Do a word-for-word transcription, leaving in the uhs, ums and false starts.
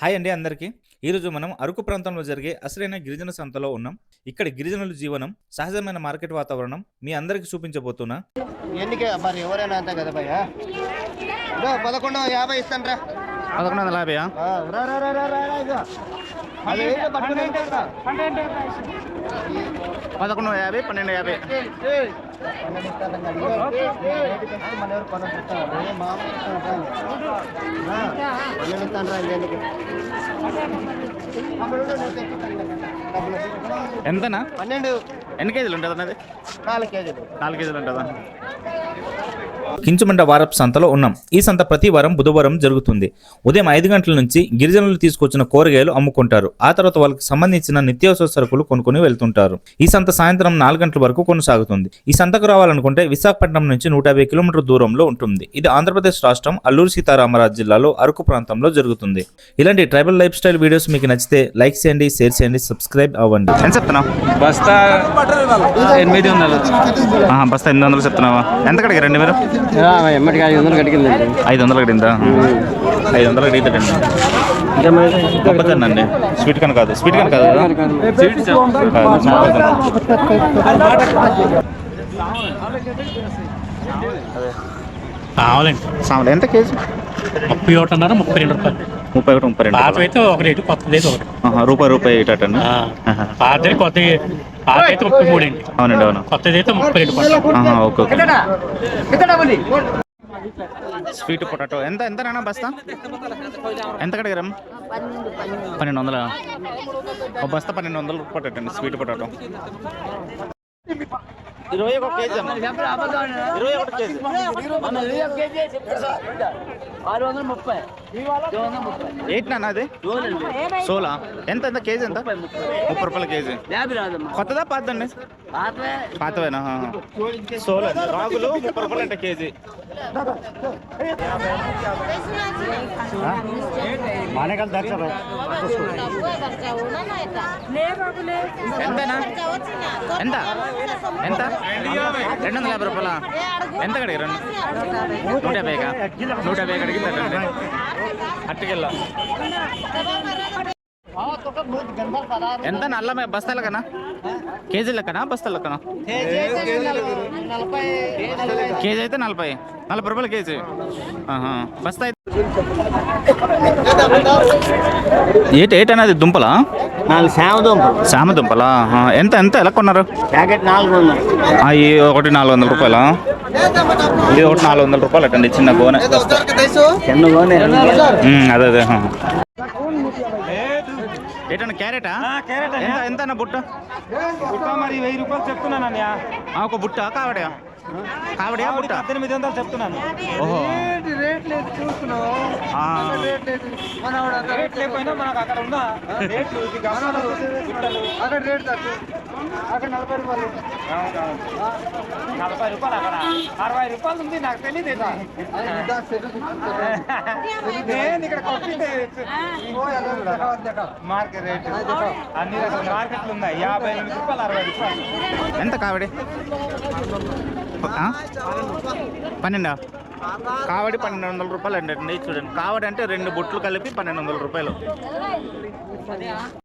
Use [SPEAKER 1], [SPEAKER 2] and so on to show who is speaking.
[SPEAKER 1] Hi అండి అందరికీ. ఈరోజు మనం అరకు ప్రాంతంలో జరిగే అసలైన గిరిజన సంతలో ఉన్నాం. ఇక్కడ గిరిజనుల జీవనం, సహజమైన మార్కెట్ వాతావరణం మీ అందరికీ చూపించబోతున్నా.
[SPEAKER 2] ఎన్నికే మరి ఎవరైనా అంతే కదా భయ్యా. పదకొండు యాభై ఇస్తాను రా.
[SPEAKER 1] పదకొండు వందల యాభై పదకొండు యాభై పన్నెండు యాభై ఎంతనా?
[SPEAKER 2] పన్నెండు.
[SPEAKER 1] ఎన్ని కేజీలు ఉంటుంది అన్నది?
[SPEAKER 2] నాలుగు కేజీలు.
[SPEAKER 1] నాలుగు కేజీలు ఉంటుందా? కించుమండ వారపు సంతలో ఉన్నాం. ఈ సంత ప్రతి వారం బుధవారం జరుగుతుంది. ఉదయం ఐదు గంటల నుంచి గిరిజనులు తీసుకొచ్చిన కూరగాయలు అమ్ముకుంటారు. ఆ తర్వాత వాళ్ళకి సంబంధించిన నిత్యావసర సరుకులు కొనుక్కొని వెళ్తుంటారు. ఈ సంత సాయంత్రం నాలుగు గంటల వరకు కొనసాగుతుంది. ఈ సంతకు రావాలనుకుంటే విశాఖపట్నం నుంచి నూట యాభై కిలోమీటర్ దూరంలో ఉంటుంది. ఇది ఆంధ్రప్రదేశ్ రాష్ట్రం అల్లూరు సీతారామరాజు జిల్లాలో అరకు ప్రాంతంలో జరుగుతుంది. ఇలాంటి ట్రైబల్ లైఫ్ స్టైల్ వీడియోస్ మీకు నచ్చితే లైక్ చేయండి, షేర్ చేయండి, సబ్స్క్రైబ్ అవ్వండి. ఎంత చెప్తున్నావు?
[SPEAKER 3] బస్తా ఎనిమిది వందలు.
[SPEAKER 1] బస్తా ఎనిమిది వందలు చెప్తున్నావా? ఎంత కడిగారండి మీరు?
[SPEAKER 2] ఎమ్మటికి ఐదు వందలు కడిగింది.
[SPEAKER 1] ఐదు వందలు కడిందా? ఐదు వందలు కడిగిద్దండి. మొక్కజొన్నండి. స్వీట్ కన్ కాదు, స్వీట్ కన్ కాదు కదా,
[SPEAKER 3] కావాలండి.
[SPEAKER 1] సామలు ఎంత కేజీ?
[SPEAKER 3] ముప్పై ఒకటి అన్నారు, ముప్పై రెండు రూపాయలు.
[SPEAKER 1] ముప్పై ఒకటి ముప్పై రెండు.
[SPEAKER 3] పాత అయితే ఒక రేటు, కొత్తది అయితే ఒకటి.
[SPEAKER 1] రూపాయి రూపాయి ఇటండి.
[SPEAKER 3] పాత కొత్త పాత అయితే ముప్పై మూడు అండి.
[SPEAKER 1] అవునండి, అవును.
[SPEAKER 3] కొత్తది అయితే ముప్పై రెండు రూపాయలు.
[SPEAKER 1] Okay okay. స్వీట్ పొటాటో ఎంత ఎంత నాన్న బస్తా? ఎంత కడిగారం? పన్నెండు వందల ఒక బస్తా. పన్నెండు వందలు పొటాటో అండి, స్వీట్ పొటాటో. ఇరవై ఒక కేజీ అమ్మ. ఇరవై ఒకటి కేజీ ఎయిట్ నాన్న. అది సోలా. ఎంత ఎంత కేజీ? ఎంత? ముప్పై రూపాయల కేజీ. కొత్తదా పాతదండి? పాతవేనా? సోలా రాగులు ముప్పై రూపాయలు అంటే కేజీ. ఎంతనా? ఎంత ఎంత? రెండు వందల యాభై రూపాయల. ఎంత కడిగి? రెండు నూట యాభైగా? నూట యాభై కడిగిందండి. అట్టుకెళ్ళా ఎంత? నల్ల బస్తాల కన్నా? కేజీ లెక్కనా బస్తాల లెక్కనా? కేజీ అయితే నలభై నలభై రూపాయలు కేజీ. బస్తా అయితే ఏటి ఏటి అనేది దుంపలా?
[SPEAKER 2] నాలుగు శామ దుంపలు.
[SPEAKER 1] శామ దుంపలా? ఎంత ఎంత ఎలా కొన్నారు?
[SPEAKER 2] ప్యాకెట్ నాలుగు వందలు.
[SPEAKER 1] ఈ ఒకటి నాలుగు వందల రూపాయలా? ఇది ఒకటి నాలుగు వందల రూపాయలు అటండి, చిన్న గోనె.
[SPEAKER 2] చిన్న గోనె.
[SPEAKER 1] అదే అదే. ఏంటన్నా క్యారెటా? ఎంత ఎంత అన్న బుట్ట?
[SPEAKER 4] బుట్ట మరి వెయ్యి రూపాయలు చెప్తున్నాను అన్నయ్య.
[SPEAKER 1] ఒక బుట్ట కావడా? కావడా బుట్ట?
[SPEAKER 4] పద్దెనిమిది వందలు చెప్తున్నాను.
[SPEAKER 1] ఓహో,
[SPEAKER 4] రేట్ లేకపోయినా మనకు అక్కడ ఉన్న రేట్లు అక్కడ రేట్ అక్కడ నలభై రూపాయలు. నలభై రూపాయలు అక్కడ అరవై రూపాయలు ఉంది. నాకు తెలియదు నేను ఇక్కడ కొట్టింటే మార్కెట్ రేట్ అన్ని రకాల మార్కెట్లు ఉన్నాయి. యాభై ఎనిమిది రూపాయలు, అరవై రూపాయలు.
[SPEAKER 1] ఎంత కావడి? పన్నెండా? కావడి పన్నెండు వందల రూపాయలు అండి. చూడండి, కావడి అంటే రెండు బుట్లు కలిపి పన్నెండు వందల రూపాయలు.